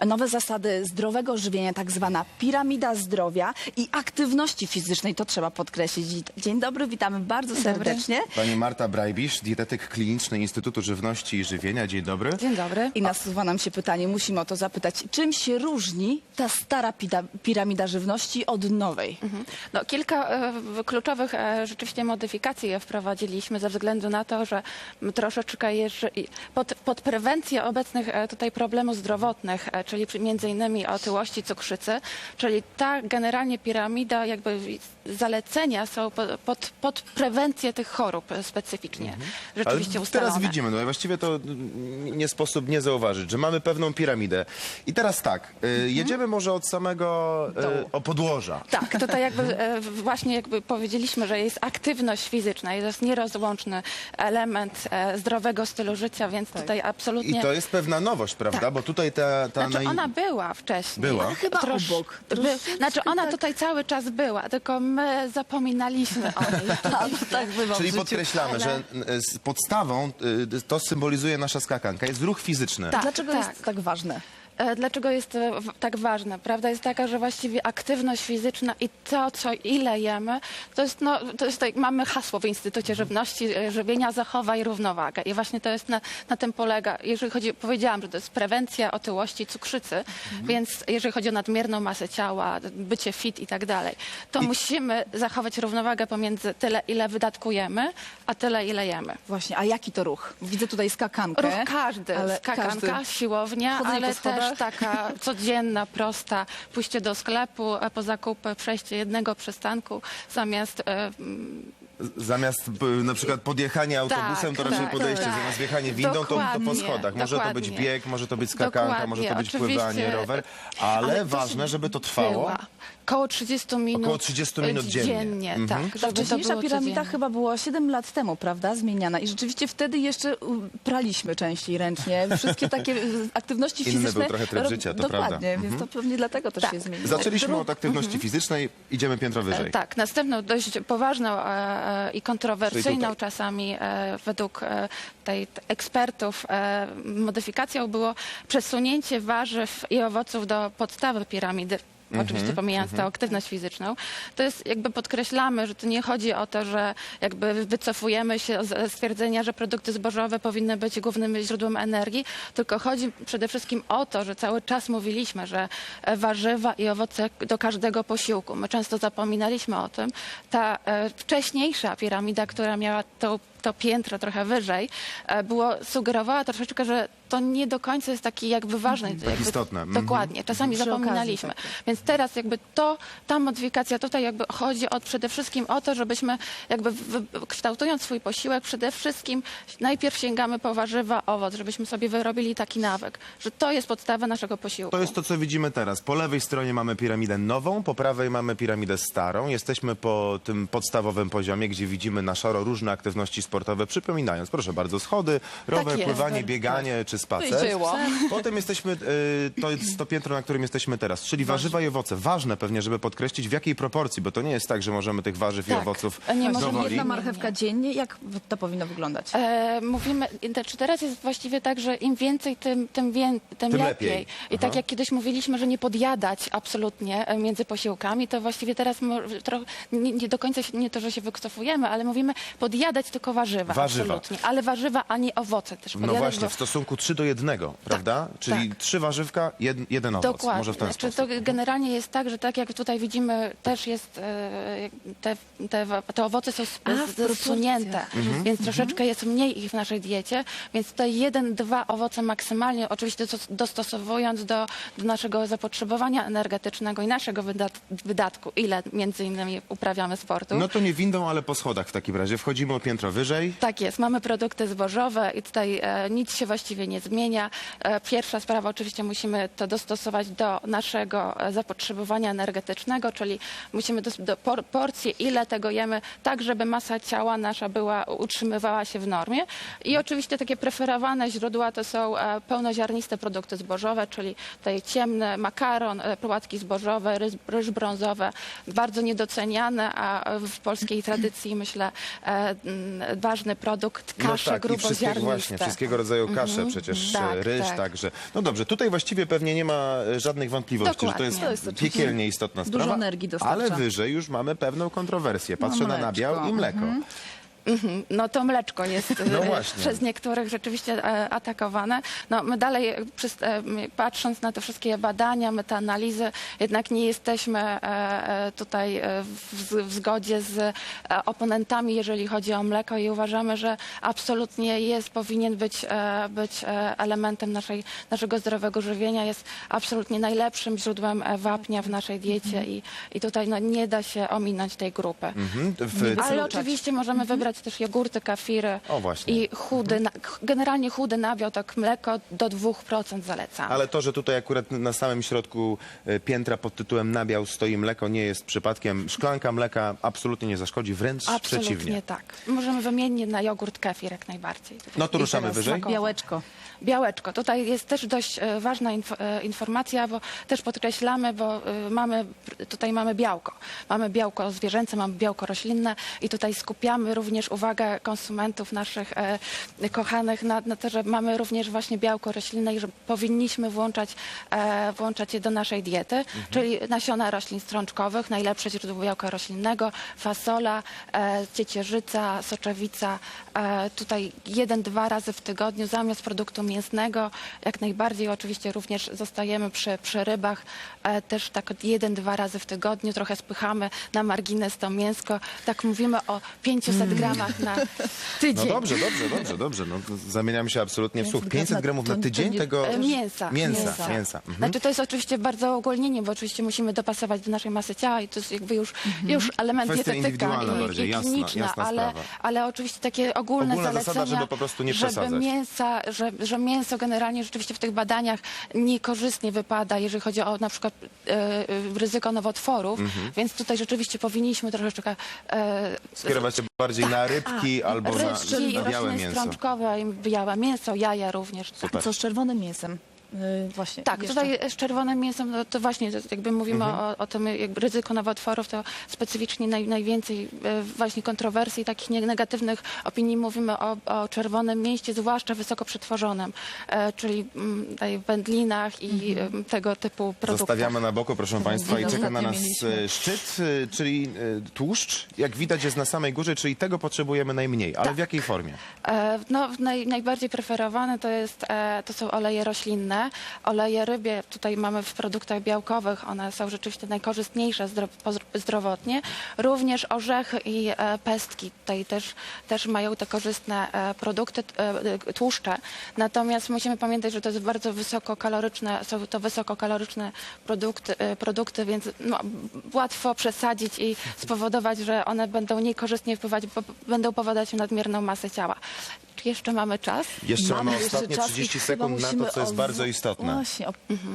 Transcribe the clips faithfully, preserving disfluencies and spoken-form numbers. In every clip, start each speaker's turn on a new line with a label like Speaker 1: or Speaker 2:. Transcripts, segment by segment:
Speaker 1: nowe zasady zdrowego żywienia, tak zwana piramida zdrowia i aktywności fizycznej, to trzeba podkreślić. Dzień dobry, witamy bardzo serdecznie.
Speaker 2: Pani Marta Brajbisz, dietetyk kliniczny Instytutu Żywności i Żywienia. Dzień dobry.
Speaker 3: Dzień dobry.
Speaker 1: I nasuwa nam się pytanie, musimy o to zapytać, czym się różni ta stara pida, piramida żywności od nowej?
Speaker 3: Mhm. No, kilka e, kluczowych e, rzeczywiście modyfikacji wprowadziliśmy ze względu na to, że troszeczkę jeszcze pod, pod prewencję obecnych e, tutaj problemów zdrowotnych, e, czyli przy- między innymi otyłości, cukrzycy, czyli ta generalnie piramida, jakby zalecenia są pod, pod, pod prewencję tych chorób e, specyficznie, rzeczywiście
Speaker 2: Ale
Speaker 3: ustalone.
Speaker 2: teraz widzimy, no i właściwie to mm, nie sposób nie zauważyć, że mamy pewną piramidę. I teraz tak, y, jedziemy może od samego y, o podłoża.
Speaker 3: Tak, tutaj jakby e, właśnie jakby powiedzieliśmy, że jest aktywność fizyczna i to jest nierozłączny element e, zdrowego stylu życia, więc tutaj absolutnie...
Speaker 2: I to jest pewna nowość, prawda?
Speaker 3: Tak.
Speaker 2: Bo tutaj ta... ta
Speaker 3: Znaczy
Speaker 2: naj-
Speaker 3: ona była wcześniej.
Speaker 2: Była?
Speaker 3: Ale
Speaker 1: chyba obok.
Speaker 3: By,
Speaker 1: Troszeczkę
Speaker 3: znaczy ona
Speaker 1: tak.
Speaker 3: tutaj cały czas była, tylko my zapominaliśmy o niej.
Speaker 1: Tak, tak bywa w
Speaker 2: Czyli
Speaker 1: życiu.
Speaker 2: podkreślamy,
Speaker 3: ale-
Speaker 2: że y, z podstawą y, to symbolizuje nasza skakanka, jest ruch fizyczny.
Speaker 3: Tak.
Speaker 1: Dlaczego
Speaker 3: tak.
Speaker 1: jest tak ważne?
Speaker 3: E, Dlaczego jest to w- tak ważne? Prawda jest taka, że właściwie aktywność fizyczna i to, co ile jemy, to jest, no, to jest tak, mamy hasło w Instytucie Żywności, e, żywienia, zachowaj równowagę. I właśnie to jest na, na tym polega. Jeżeli chodzi, powiedziałam, że to jest prewencja otyłości, cukrzycy, więc jeżeli chodzi o nadmierną masę ciała, bycie fit i tak dalej, to musimy zachować równowagę pomiędzy tyle, ile wydatkujemy, a tyle, ile jemy.
Speaker 1: Właśnie, a jaki to ruch? Widzę tutaj skakankę.
Speaker 3: Ruch każdy,
Speaker 1: ale
Speaker 3: skakanka,
Speaker 1: każdy.
Speaker 3: siłownia,
Speaker 1: Chodzenie
Speaker 3: ale
Speaker 1: po schodach?
Speaker 3: też taka codzienna, prosta, pójście do sklepu, a po zakupy przejście jednego przystanku zamiast e,
Speaker 2: Zamiast y, na przykład podjechania autobusem, to
Speaker 3: tak,
Speaker 2: raczej
Speaker 3: tak,
Speaker 2: podejście.
Speaker 3: tak.
Speaker 2: Zamiast wjechanie windą, to, to po
Speaker 3: Dokładnie,
Speaker 2: schodach. Może to być
Speaker 3: dokładnie.
Speaker 2: bieg, może to być skakanka,
Speaker 3: Dokładnie,
Speaker 2: może to być
Speaker 3: oczywiście.
Speaker 2: pływanie, rower. Ale,
Speaker 3: Ale to
Speaker 2: ważne, żeby to trwało.
Speaker 3: była. Około trzydziestu minut,
Speaker 2: Około trzydziestu minut dziennie.
Speaker 3: dziennie
Speaker 2: Mhm.
Speaker 3: tak,
Speaker 1: Ta
Speaker 3: żeby to
Speaker 1: wcześniejsza
Speaker 3: było
Speaker 1: piramida
Speaker 3: codziennie.
Speaker 1: chyba była siedem lat temu, prawda? Zmieniana. I rzeczywiście wtedy jeszcze u, praliśmy częściej ręcznie. Wszystkie takie y, aktywności
Speaker 2: Inny
Speaker 1: fizyczne.
Speaker 2: był trochę tryb
Speaker 1: ro-
Speaker 2: życia, to
Speaker 1: Dokładnie,
Speaker 2: prawda.
Speaker 1: więc to pewnie dlatego też
Speaker 3: Tak.
Speaker 1: się zmieniło.
Speaker 2: Zaczęliśmy
Speaker 1: Dru-
Speaker 2: od aktywności fizycznej, idziemy piętro wyżej.
Speaker 3: E, Tak, następną dość poważną e, e, i
Speaker 2: Czyli
Speaker 3: kontrowersyjną
Speaker 2: tutaj.
Speaker 3: czasami e, według e, tej t- ekspertów e, modyfikacją było przesunięcie warzyw i owoców do podstawy piramidy. Oczywiście pomijając tę aktywność fizyczną, to jest jakby podkreślamy, że to nie chodzi o to, że jakby wycofujemy się z stwierdzenia, że produkty zbożowe powinny być głównym źródłem energii, tylko chodzi przede wszystkim o to, że cały czas mówiliśmy, że e, warzywa i owoce do każdego posiłku. My często zapominaliśmy o tym. Ta e, wcześniejsza piramida, która miała to, to piętro trochę wyżej, e, było, sugerowała troszeczkę, że to nie do końca jest taki jakby ważny. jakby,
Speaker 2: istotne. Mhm.
Speaker 3: Dokładnie. Czasami
Speaker 1: Przy okazji
Speaker 3: zapominaliśmy.
Speaker 1: takie.
Speaker 3: Więc teraz jakby to, ta modyfikacja tutaj jakby chodzi o, przede wszystkim o to, żebyśmy jakby wy- kształtując swój posiłek, przede wszystkim najpierw sięgamy po warzywa, owoc, żebyśmy sobie wyrobili taki nawyk, że to jest podstawa naszego posiłku.
Speaker 2: To jest to, co widzimy teraz. Po lewej stronie mamy piramidę nową, po prawej mamy piramidę starą. Jesteśmy po tym podstawowym poziomie, gdzie widzimy na szaro różne aktywności sportowe. Przypominając, proszę bardzo, schody, rower,
Speaker 3: jest.
Speaker 2: pływanie, bieganie czy spacer.
Speaker 1: dzieło.
Speaker 2: Potem jesteśmy, y, to jest to piętro, na którym jesteśmy teraz, czyli warzywa i owoce. Ważne pewnie, żeby podkreślić w jakiej proporcji, bo to nie jest tak, że możemy tych warzyw i
Speaker 3: Tak.
Speaker 2: owoców
Speaker 3: Nie możemy
Speaker 2: dowoli.
Speaker 1: Jedna
Speaker 3: Nie,
Speaker 1: marchewka
Speaker 3: nie.
Speaker 1: dziennie, jak to powinno wyglądać?
Speaker 3: E, mówimy, czy teraz jest właściwie tak, że im więcej, tym, tym, wię, tym,
Speaker 2: Tym
Speaker 3: lepiej.
Speaker 2: lepiej.
Speaker 3: I
Speaker 2: Aha.
Speaker 3: tak jak kiedyś mówiliśmy, że nie podjadać absolutnie e, między posiłkami, to właściwie teraz mo, trochę, nie, nie do końca się, nie to, że się wycofujemy, ale mówimy podjadać tylko warzywa.
Speaker 2: Warzywa.
Speaker 3: Absolutnie. Ale warzywa, a nie owoce też
Speaker 2: No
Speaker 3: podjadać,
Speaker 2: właśnie,
Speaker 3: bo-
Speaker 2: w stosunku trzy do jednego, prawda? Czyli
Speaker 3: tak.
Speaker 2: trzy warzywka, jed, jeden owoc.
Speaker 3: Dokładnie.
Speaker 2: Może w ten
Speaker 3: Znaczy,
Speaker 2: sposób.
Speaker 3: to generalnie jest tak, że tak jak tutaj widzimy, też jest e, te, te, te owoce są sp-
Speaker 1: A, w
Speaker 3: z- zsunięte,
Speaker 1: proporcjach.
Speaker 3: więc troszeczkę jest mniej ich w naszej diecie, więc te jeden, dwa owoce maksymalnie, oczywiście dos- dostosowując do, do naszego zapotrzebowania energetycznego i naszego wydat wydatku, ile między innymi uprawiamy sportu.
Speaker 2: No to nie windą, ale po schodach w takim razie. Wchodzimy o piętro wyżej.
Speaker 3: Tak jest, mamy produkty zbożowe i tutaj e, nic się właściwie nie zmienia. E, pierwsza sprawa, oczywiście musimy to dostosować do naszego e, zapotrzebowania energetycznego, czyli musimy do, do por, porcje, ile tego jemy, tak żeby masa ciała nasza była, utrzymywała się w normie. I oczywiście takie preferowane źródła to są e, pełnoziarniste produkty zbożowe, czyli tutaj ciemny makaron, e, płatki zbożowe, ryż, ryż brązowe, bardzo niedoceniane, a w polskiej tradycji myślę e, m, ważny produkt, kasze
Speaker 2: no tak, i wszystkiego
Speaker 3: gruboziarniste.
Speaker 2: właśnie, wszystkiego rodzaju kasze, przecież
Speaker 3: Tak,
Speaker 2: e, ryż
Speaker 3: tak.
Speaker 2: także. No dobrze, tutaj właściwie pewnie nie ma e, żadnych wątpliwości, że to jest,
Speaker 3: Dokładnie.
Speaker 1: To jest oczywiście
Speaker 2: piekielnie istotna
Speaker 1: dużo
Speaker 2: sprawa,
Speaker 1: energii dostarcza.
Speaker 2: ale wyżej już mamy pewną kontrowersję. Patrzę
Speaker 1: No,
Speaker 2: na
Speaker 1: mleczko.
Speaker 2: nabiał i mleko.
Speaker 3: Mhm. No to mleczko jest e,
Speaker 2: No właśnie.
Speaker 3: przez niektórych rzeczywiście e, atakowane. No my dalej, e, przez, e, patrząc na te wszystkie badania, metaanalizy, jednak nie jesteśmy e, e, tutaj e, w, w zgodzie z e, oponentami, jeżeli chodzi o mleko i uważamy, że absolutnie jest, powinien być, e, być e, elementem naszej, naszego zdrowego żywienia, jest absolutnie najlepszym źródłem e, wapnia w naszej diecie i, i tutaj no, nie da się ominąć tej grupy.
Speaker 2: Mhm. W,
Speaker 3: Ale
Speaker 1: Wykluczać.
Speaker 3: oczywiście możemy wybrać też jogurty, kafiry
Speaker 2: O, właśnie.
Speaker 3: i chudy, na, generalnie chudy nabiał, tak mleko do dwóch procent zalecam.
Speaker 2: Ale to, że tutaj akurat na samym środku e, piętra pod tytułem nabiał stoi mleko, nie jest przypadkiem. Szklanka mleka absolutnie nie zaszkodzi, wręcz
Speaker 3: Absolutnie
Speaker 2: przeciwnie.
Speaker 3: tak. Możemy wymienić na jogurt, kefir jak najbardziej.
Speaker 2: No to
Speaker 3: I
Speaker 2: ruszamy
Speaker 3: teraz
Speaker 2: wyżej.
Speaker 3: smakowo.
Speaker 1: Białeczko.
Speaker 3: Białeczko. Tutaj jest też dość e, ważna inf e, informacja, bo też podkreślamy, bo e, mamy, tutaj mamy białko. Mamy białko zwierzęce, mamy białko roślinne i tutaj skupiamy również uwagę konsumentów naszych e, kochanych na, na to, że mamy również właśnie białko roślinne i że powinniśmy włączać, e, włączać je do naszej diety, czyli nasiona roślin strączkowych, najlepsze źródło białka roślinnego, fasola, e, ciecierzyca, soczewica. E, tutaj jeden, dwa razy w tygodniu zamiast produktu mięsnego. Jak najbardziej oczywiście również zostajemy przy, przy rybach. E, też tak jeden, dwa razy w tygodniu. Trochę spychamy na margines to mięsko. Tak mówimy o pięciuset gramach na tydzień.
Speaker 2: No dobrze, dobrze, dobrze, dobrze. No, to zamieniam się absolutnie w słuch.
Speaker 1: pięćset
Speaker 2: pięćset gramów na
Speaker 1: to- to
Speaker 2: tydzień
Speaker 1: nie-
Speaker 2: tego
Speaker 3: E, Mięsa.
Speaker 2: mięsa. mięsa. Mhm.
Speaker 3: Znaczy to jest oczywiście bardzo ogólnienie, bo oczywiście musimy dopasować do naszej masy ciała i to jest jakby już, już element
Speaker 2: Kwestia
Speaker 3: dietetyka
Speaker 2: indywidualna
Speaker 3: i,
Speaker 2: bardziej,
Speaker 3: i
Speaker 2: jasna-
Speaker 3: kliniczna,
Speaker 2: jasna
Speaker 3: ale,
Speaker 2: sprawa.
Speaker 3: ale oczywiście takie ogólne
Speaker 2: Ogólna zasada,
Speaker 3: zalecenia,
Speaker 2: żeby po prostu nie
Speaker 3: żeby
Speaker 2: przesadzać.
Speaker 3: mięsa, że, że mięso generalnie rzeczywiście w tych badaniach niekorzystnie wypada, jeżeli chodzi o na przykład e, e, ryzyko nowotworów,
Speaker 2: Mhm.
Speaker 3: więc tutaj rzeczywiście powinniśmy troszeczkę e,
Speaker 2: Skierować się bardziej na rybki albo na,
Speaker 3: rybki,
Speaker 2: na białe
Speaker 3: rośliny
Speaker 2: mięso.
Speaker 3: strączkowe, i białe mięso, jaja również. Tak.
Speaker 2: Super.
Speaker 1: Co z czerwonym mięsem? Yy, właśnie.
Speaker 3: Tak,
Speaker 1: jeszcze.
Speaker 3: tutaj z czerwonym mięsem, no to właśnie to jakby mówimy
Speaker 2: Mhm.
Speaker 3: o, o tym jakby ryzyko nowotworów, to specyficznie naj, najwięcej e, właśnie kontrowersji, takich nie- negatywnych opinii mówimy o, o czerwonym mięsie, zwłaszcza wysoko przetworzonym, e, czyli mm, tutaj w wędlinach i em, tego typu produktach.
Speaker 2: Zostawiamy na boku, proszę Państwa, i
Speaker 1: Ostatnio
Speaker 2: czeka na nas
Speaker 1: mieliśmy.
Speaker 2: e, szczyt, e, czyli e, tłuszcz. Jak widać jest na samej górze, czyli tego potrzebujemy najmniej. Ale w jakiej formie?
Speaker 3: E, No, naj, najbardziej preferowane to, jest, e, to są oleje roślinne. Oleje rybie tutaj mamy w produktach białkowych. One są rzeczywiście najkorzystniejsze zdro, pozdro- zdrowotnie. Również orzechy i e, pestki tutaj też, też mają te korzystne e, produkty, e, e, tłuszcze. Natomiast musimy pamiętać, że to jest bardzo wysokokaloryczne, są to wysokokaloryczne produkty, e, produkty więc no, łatwo przesadzić i spowodować, że one będą niekorzystnie wpływać, bo będą powodować nadmierną masę ciała. Czy jeszcze mamy czas?
Speaker 2: Jeszcze mamy
Speaker 1: jeszcze
Speaker 2: ostatnie
Speaker 1: czas i
Speaker 2: trzydzieści
Speaker 1: chyba
Speaker 2: sekund na to,
Speaker 1: musimy
Speaker 2: co jest
Speaker 1: o-
Speaker 2: bardzo istotne.
Speaker 1: Właśnie, o,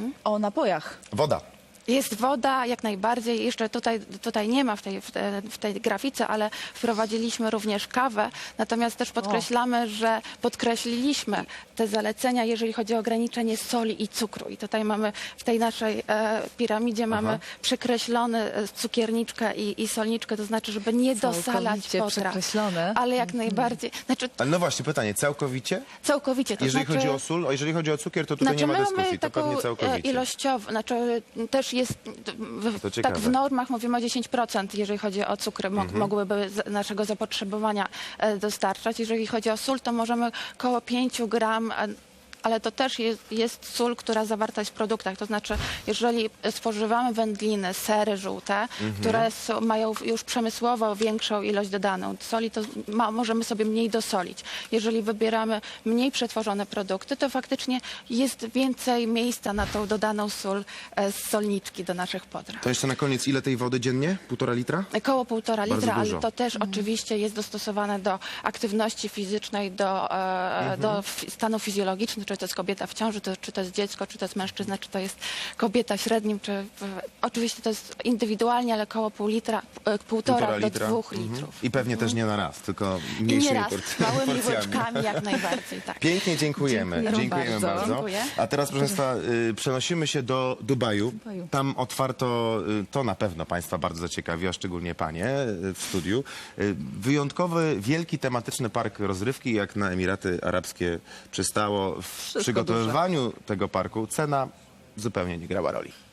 Speaker 1: o napojach.
Speaker 2: Woda.
Speaker 3: Jest woda, jak najbardziej. Jeszcze tutaj, tutaj nie ma w tej, w, te, w tej grafice, ale wprowadziliśmy również kawę. Natomiast też podkreślamy, że podkreśliliśmy te zalecenia, jeżeli chodzi o ograniczenie soli i cukru. I tutaj mamy w tej naszej e, piramidzie mamy przekreślone e, cukierniczkę i, i solniczkę, to znaczy, żeby nie dosalać
Speaker 1: Całkowicie
Speaker 3: potraw.
Speaker 1: przekreślone.
Speaker 3: Ale jak najbardziej. Znaczy,
Speaker 2: Ale no właśnie, pytanie, całkowicie?
Speaker 3: całkowicie. To
Speaker 2: Jeżeli
Speaker 3: znaczy,
Speaker 2: chodzi o sól, a jeżeli chodzi o cukier, to tutaj
Speaker 3: Znaczy,
Speaker 2: nie ma
Speaker 3: my
Speaker 2: dyskusji,
Speaker 3: mamy
Speaker 2: to
Speaker 3: taką
Speaker 2: pewnie
Speaker 3: e,
Speaker 2: całkowicie.
Speaker 3: ilościową, znaczy też jest, w,
Speaker 2: To
Speaker 3: tak
Speaker 2: ciekawe.
Speaker 3: w normach mówimy o dziesięć procent, jeżeli chodzi o cukry, mo-
Speaker 2: Mhm.
Speaker 3: mogłyby z naszego zapotrzebowania e, dostarczać. Jeżeli chodzi o sól, to możemy koło pięć gram, e, ale to też jest, jest sól, która zawarta jest w produktach. To znaczy, jeżeli spożywamy wędliny, sery żółte,
Speaker 2: Mhm.
Speaker 3: które są, mają już przemysłowo większą ilość dodaną soli, to ma, możemy sobie mniej dosolić. Jeżeli wybieramy mniej przetworzone produkty, to faktycznie jest więcej miejsca na tą dodaną sól e, z solniczki do naszych potraw.
Speaker 2: To jeszcze na koniec, ile tej wody dziennie? Półtora litra?
Speaker 3: Koło półtora
Speaker 2: Bardzo
Speaker 3: litra,
Speaker 2: dużo.
Speaker 3: ale to też oczywiście jest dostosowane do aktywności fizycznej, do, e, do fi- stanu fizjologicznego, czy to jest kobieta w ciąży, to, czy to jest dziecko, czy to jest mężczyzna, czy to jest kobieta w średnim, czy w, oczywiście to jest indywidualnie, ale około pół litra, e, półtora,
Speaker 2: Półtora
Speaker 3: do
Speaker 2: litra.
Speaker 3: dwóch
Speaker 2: Mhm.
Speaker 3: litrów.
Speaker 2: I pewnie też nie na raz, tylko
Speaker 3: I
Speaker 2: mniejszymi
Speaker 3: nie raz,
Speaker 2: port-
Speaker 3: małymi
Speaker 2: porcjami.
Speaker 3: łyczkami jak najbardziej, tak.
Speaker 2: Pięknie dziękujemy.
Speaker 1: Dziękujemy
Speaker 2: Dziękujemy bardzo.
Speaker 1: bardzo.
Speaker 3: Dziękuję.
Speaker 2: A teraz, proszę Państwa, y, przenosimy się do Dubaju.
Speaker 1: Dubaju.
Speaker 2: Tam otwarto, y, to na pewno Państwa bardzo zaciekawi, a szczególnie Panie y, w studiu, y, wyjątkowy, wielki, tematyczny park rozrywki, jak na Emiraty Arabskie przystało. W przygotowywaniu tego parku cena zupełnie nie grała roli.